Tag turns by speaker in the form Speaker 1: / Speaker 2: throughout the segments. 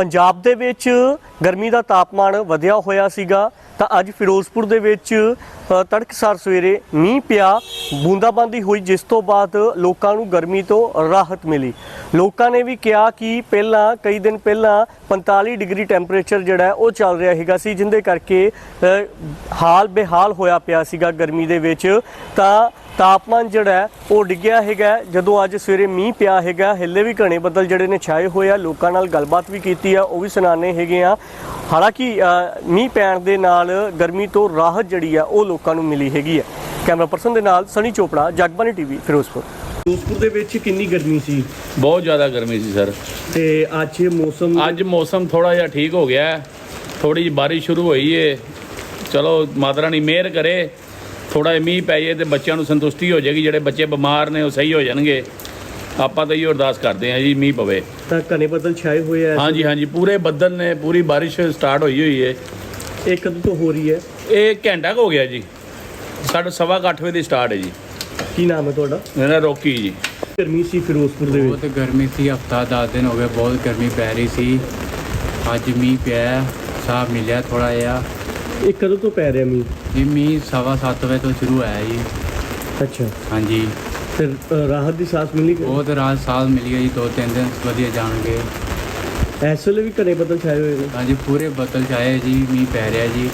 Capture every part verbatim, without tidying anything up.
Speaker 1: पंजाब दे विच गर्मी का तापमान वधिया होया सीगा ਤਾਂ ਅੱਜ ਫਿਰੋਜ਼ਪੁਰ ਦੇ ਵਿੱਚ ਤੜਕਸਾਰ ਸਵੇਰੇ ਮੀਂਹ ਪਿਆ, ਬੂੰਦਾਬਾਂਦੀ ਹੋਈ, ਜਿਸ ਤੋਂ ਬਾਅਦ ਲੋਕਾਂ ਨੂੰ ਗਰਮੀ ਤੋਂ ਰਾਹਤ ਮਿਲੀ। ਲੋਕਾਂ ਨੇ ਵੀ ਕਿਹਾ ਕਿ ਪਹਿਲਾਂ ਕਈ ਦਿਨ ਪਹਿਲਾਂ पैंतालीस ਡਿਗਰੀ ਟੈਂਪਰੇਚਰ ਜਿਹੜਾ ਉਹ ਚੱਲ ਰਿਹਾ ਹੈਗਾ ਸੀ, ਜਿੰਦੇ ਕਰਕੇ ਹਾਲ ਬੇਹਾਲ ਹੋਇਆ ਪਿਆ ਸੀਗਾ ਗਰਮੀ ਦੇ ਵਿੱਚ। ਤਾਂ ਤਾਪਮਾਨ ਜਿਹੜਾ ਉਹ ਡਿੱਗਿਆ ਹੈਗਾ ਜਦੋਂ ਅੱਜ ਸਵੇਰੇ ਮੀਂਹ ਪਿਆ ਹੈਗਾ। ਹਿੱਲੇ ਵੀ ਘਣੇ ਬੱਦਲ ਜਿਹੜੇ ਨੇ ਛਾਏ ਹੋਏ ਆ, ਲੋਕਾਂ ਨਾਲ ਗੱਲਬਾਤ ਵੀ ਕੀਤੀ ਆ, ਉਹ ਵੀ ਸੁਣਾਣੇ ਹੈਗੇ ਆ। ਹਾਲਾਂਕਿ ਮੀਂਹ ਪੈਣ ਦੇ ਨਾਲ गर्मी तो राहत जी है वो लोगों को मिली हैगी है। कैमरा परसन के नाल सनी चोपड़ा, जगबानी टीवी, फिरोजपुर। फिरोजपुर दे विच कितनी गर्मी सी?
Speaker 2: बहुत ज़्यादा गर्मी सी सर।
Speaker 1: ते अज मौसम
Speaker 2: अज मौसम थोड़ा जिहा ठीक हो गया है, थोड़ी जी बारिश शुरू हुई है। चलो माता रानी मेहर करे, थोड़ा मीह पै जाए तो बच्चों को संतुष्टि हो जाएगी। जिहड़े बच्चे बीमार ने वो सही हो जाएंगे। ਆਪਾਂ ਤਾਂ ਇਹ ਅਰਦਾਸ ਕਰਦੇ ਹਾਂ ਜੀ ਮੀਂਹ ਪਵੇ।
Speaker 1: ਤਾਂ ਘਣੇ ਬੱਦਲ ਛਾਏ ਹੋਏ ਆ?
Speaker 2: ਹਾਂਜੀ ਹਾਂਜੀ, ਪੂਰੇ ਬੱਦਲ ਨੇ, ਪੂਰੀ ਬਾਰਿਸ਼ ਸਟਾਰਟ ਹੋਈ ਹੋਈ ਹੈ।
Speaker 1: ਇਹ ਕਦੋਂ ਤੋਂ ਹੋ ਰਹੀ ਹੈ?
Speaker 2: ਇਹ ਘੰਟਾ ਹੋ ਗਿਆ ਜੀ, ਸਾਢੇ ਸਵਾ ਅੱਠ ਵਜੇ ਦੀ ਸਟਾਰਟ ਹੈ ਜੀ।
Speaker 1: ਕੀ ਨਾਮ ਹੈ ਤੁਹਾਡਾ?
Speaker 2: ਮੇਰਾ ਰੋਕੀ ਜੀ।
Speaker 1: ਗਰਮੀ ਸੀ ਫਿਰੋਜ਼ਪੁਰ ਦੇ ਵਿੱਚ?
Speaker 3: ਬਹੁਤ ਗਰਮੀ ਸੀ, ਹਫਤਾ ਦਸ ਦਿਨ ਹੋ ਗਏ ਬਹੁਤ ਗਰਮੀ ਪੈ ਰਹੀ ਸੀ। ਅੱਜ ਮੀਂਹ ਪਿਆ, ਸਾਹ ਮਿਲਿਆ ਥੋੜਾ ਜਿਹਾ।
Speaker 1: ਇਹ ਕਦੋਂ ਤੋਂ ਪੈ ਰਿਹਾ ਮੀਂਹ?
Speaker 3: ਜੀ ਮੀਂਹ ਸਵਾ ਸੱਤ ਵਜੇ ਤੋਂ ਸ਼ੁਰੂ ਹੋਇਆ ਜੀ।
Speaker 1: ਅੱਛਾ
Speaker 3: ਹਾਂਜੀ,
Speaker 1: ਫਿਰ ਰਾਹਤ ਦੀ ਸਾਹ ਮਿਲੀ?
Speaker 3: ਬਹੁਤ ਰਾਹਤ ਸਾਹ ਮਿਲੀ ਹੈ ਜੀ, ਦੋ ਤਿੰਨ ਦਿਨ ਵਧੀਆ ਜਾਣਗੇ।
Speaker 1: ਇਸ ਵੇਲੇ ਵੀ ਘਣੇ ਬੱਦਲ ਛਾਏ ਹੋਏ ਨੇ?
Speaker 3: ਹਾਂਜੀ, ਪੂਰੇ ਬੱਦਲ ਛਾਏ ਜੀ, ਮੀਂਹ ਪੈ ਰਿਹਾ ਜੀ।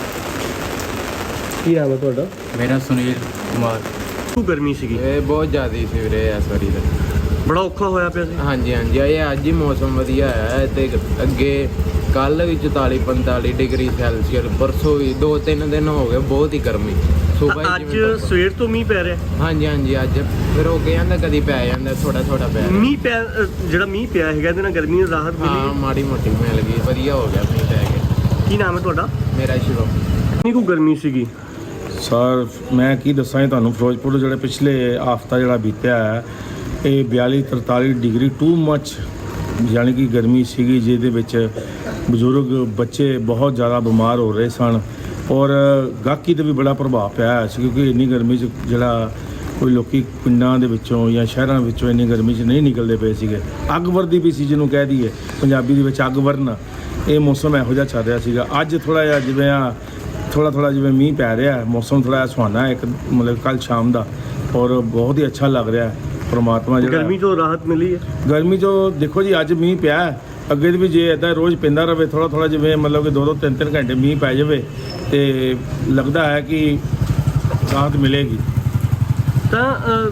Speaker 1: ਕੀ ਨਾਮ ਹੈ ਤੁਹਾਡਾ?
Speaker 3: ਮੇਰਾ ਸੁਨੀਲ ਕੁਮਾਰ।
Speaker 1: ਤੂੰ ਗਰਮੀ ਸੀਗੀ?
Speaker 4: ਇਹ ਬਹੁਤ ਜ਼ਿਆਦਾ ਸੀ ਵੀਰੇ ਇਸ ਵਾਰੀ ਤਾਂ।
Speaker 1: ਬੜਾ ਔਖਾ ਹੋਇਆ ਪਿਆ ਸੀ?
Speaker 4: ਹਾਂਜੀ ਹਾਂਜੀ, ਇਹ ਅੱਜ ਹੀ ਮੌਸਮ ਵਧੀਆ ਹੈ ਤੇ ਅੱਗੇ ਕੱਲ ਵੀ ਚੁਤਾਲੀ ਪੰਤਾਲੀ ਡਿਗਰੀ ਸੈਲਸੀਅਸ, ਪਰਸੋਂ ਵੀ ਦੋ ਤਿੰਨ ਦਿਨ ਹੋ ਗਏ ਬਹੁਤ ਹੀ ਗਰਮੀ। ਸੁਬਾਹ ਹੀ
Speaker 1: ਅੱਜ
Speaker 4: ਜਿਵੇਂ
Speaker 1: ਸਵੇਰ ਤੋਂ ਮੀਂਹ ਪੈ ਰਿਹਾ?
Speaker 4: ਹਾਂਜੀ ਹਾਂਜੀ, ਅੱਜ ਫਿਰ ਹੋ ਕੇ ਜਾਂਦਾ, ਕਦੀ ਪੈ ਜਾਂਦਾ, ਥੋੜਾ ਥੋੜਾ ਪੈ ਰਿਹਾ।
Speaker 1: ਮੀਂਹ ਪਿਆ, ਜਿਹੜਾ ਮੀਂਹ ਪਿਆ ਹੈਗਾ ਇਹਦੇ ਨਾਲ ਗਰਮੀ ਨੂੰ ਰਾਹਤ
Speaker 4: ਹਾਂ,
Speaker 1: ਮਿਲੀ?
Speaker 4: ਮਾੜੀ ਮੋਟੀ ਮਿਲ ਗਈ, ਵਧੀਆ ਹੋ ਗਿਆ ਮੀਂਹ ਪੈ ਕੇ।
Speaker 1: ਕੀ ਨਾਮ ਹੈ ਤੁਹਾਡਾ?
Speaker 4: ਮੇਰਾ ਸ਼ਿਵਮ।
Speaker 1: ਕਿੰਨੀ ਕੁ ਗਰਮੀ ਸੀਗੀ?
Speaker 5: ਸਰ ਮੈਂ ਕੀ ਦੱਸਾਂ ਤੁਹਾਨੂੰ, ਫਿਰੋਜ਼ਪੁਰ ਜਿਹੜੇ ਪਿਛਲੇ ਹਫ਼ਤਾ ਜਿਹੜਾ ਬੀਤਿਆ ਹੈ ਇਹ ਬਿਆਲੀ ਤਰਤਾਲੀ ਡਿਗਰੀ ਟੂ ਮੱਚ ਯਾਨੀ ਕਿ ਗਰਮੀ ਸੀਗੀ, ਜਿਹਦੇ ਵਿੱਚ ਬਜ਼ੁਰਗ ਬੱਚੇ ਬਹੁਤ ਜ਼ਿਆਦਾ ਬਿਮਾਰ ਹੋ ਰਹੇ ਸਨ ਔਰ ਗਾਹਕੀ 'ਤੇ ਵੀ ਬੜਾ ਪ੍ਰਭਾਵ ਪਿਆ ਸੀ, ਕਿਉਂਕਿ ਇੰਨੀ ਗਰਮੀ 'ਚ ਜਿਹੜਾ ਕੋਈ ਲੋਕੀ ਪਿੰਡਾਂ ਦੇ ਵਿੱਚੋਂ ਜਾਂ ਸ਼ਹਿਰਾਂ ਵਿੱਚੋਂ ਇੰਨੀ ਗਰਮੀ 'ਚ ਨਹੀਂ ਨਿਕਲਦੇ ਪਏ ਸੀਗੇ। ਅੱਗ ਵਰਦੀ ਵੀ ਸੀ, ਜਿਹਨੂੰ ਕਹਿ ਦਈਏ ਪੰਜਾਬੀ ਦੇ ਵਿੱਚ ਅੱਗ ਵਰਨਾ, ਇਹ ਮੌਸਮ ਇਹੋ ਜਿਹਾ ਚੱਲ ਰਿਹਾ ਸੀਗਾ। ਅੱਜ ਥੋੜ੍ਹਾ ਜਿਹਾ ਜਿਵੇਂ ਆ ਥੋੜ੍ਹਾ ਥੋੜ੍ਹਾ ਜਿਵੇਂ ਮੀਂਹ ਪੈ ਰਿਹਾ, ਮੌਸਮ ਥੋੜ੍ਹਾ ਜਿਹਾ ਸੁਹਾਨਾ ਹੈ ਇੱਕ ਮਤਲਬ ਕੱਲ੍ਹ ਸ਼ਾਮ ਦਾ, ਔਰ ਬਹੁਤ ਹੀ ਅੱਛਾ ਲੱਗ ਰਿਹਾ। ਪਰਮਾਤਮਾ ਜਿਹੜਾ
Speaker 1: ਗਰਮੀ ਤੋਂ ਰਾਹਤ ਮਿਲੀ ਹੈ?
Speaker 5: ਗਰਮੀ ਤੋਂ ਦੇਖੋ ਜੀ, ਅੱਜ ਮੀਂਹ ਪਿਆ, ਅੱਗੇ ਵੀ ਜੇ ਇੱਦਾਂ ਰੋਜ਼ ਪੈਂਦਾ ਰਹੇ ਥੋੜ੍ਹਾ ਥੋੜ੍ਹਾ ਜਿਵੇਂ ਮਤਲਬ ਕਿ ਦੋ ਦੋ ਤਿੰਨ ਤਿੰਨ ਘੰਟੇ ਮੀਂਹ ਪੈ ਜਾਵੇ ਤੇ ਲੱਗਦਾ ਹੈ ਕਿ ਰਾਹਤ ਮਿਲੇਗੀ।
Speaker 1: ਤਾਂ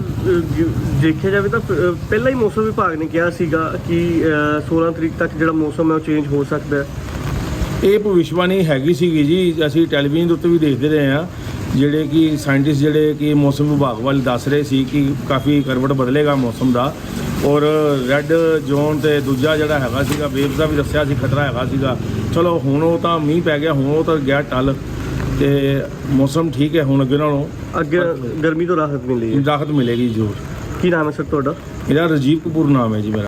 Speaker 1: ਦੇਖਿਆ ਜਾਵੇ ਤਾਂ ਪਹਿਲਾਂ ਹੀ ਮੌਸਮ ਵਿਭਾਗ ਨੇ ਕਿਹਾ ਸੀਗਾ ਕਿ ਸੋਲਾਂ ਤਰੀਕ ਤੱਕ ਜਿਹੜਾ ਮੌਸਮ ਹੈ ਉਹ ਚੇਂਜ ਹੋ ਸਕਦਾ ਹੈ।
Speaker 5: ਇਹ ਭਵਿੱਖਬਾਣੀ ਹੈਗੀ ਸੀਗੀ ਜੀ, ਅਸੀਂ ਟੈਲੀਵਿਜ਼ਨ ਦੇ ਉੱਤੇ ਵੀ ਦੇਖਦੇ ਰਹੇ ਹਾਂ, ਜਿਹੜੇ ਕਿ ਸਾਇੰਟਿਸਟ ਜਿਹੜੇ ਕਿ ਮੌਸਮ ਵਿਭਾਗ ਵਾਲੇ ਦੱਸ ਰਹੇ ਸੀ ਕਿ ਕਾਫੀ ਕਰਵਟ ਬਦਲੇਗਾ ਮੌਸਮ ਦਾ, ਔਰ ਰੈੱਡ ਜ਼ੋਨ ਤੇ ਦੂਜਾ ਜਿਹੜਾ ਹੈਗਾ ਸੀਗਾ ਵੇਵਸ ਦਾ ਵੀ ਦੱਸਿਆ ਸੀ ਖਤਰਾ ਹੈਗਾ ਸੀਗਾ। ਚਲੋ ਹੁਣ ਉਹ ਤਾਂ ਮੀਂਹ ਪੈ ਗਿਆ, ਹੁਣ ਉਹ ਤਾਂ ਗਿਆ ਟਲ ਤੇ ਮੌਸਮ ਠੀਕ ਹੈ ਹੁਣ ਅੱਗੇ ਨਾਲੋਂ।
Speaker 1: ਅੱਗੇ ਗਰਮੀ ਤੋਂ ਰਾਹਤ ਮਿਲੀ ਹੈ?
Speaker 5: ਰਾਹਤ ਮਿਲੇਗੀ ਜ਼ਰੂਰ।
Speaker 1: ਕੀ ਨਾਮ ਹੈ ਸਰ ਤੁਹਾਡਾ?
Speaker 5: ਮੇਰਾ ਰਾਜੀਵ ਕਪੂਰ ਨਾਮ ਹੈ ਜੀ ਮੇਰਾ।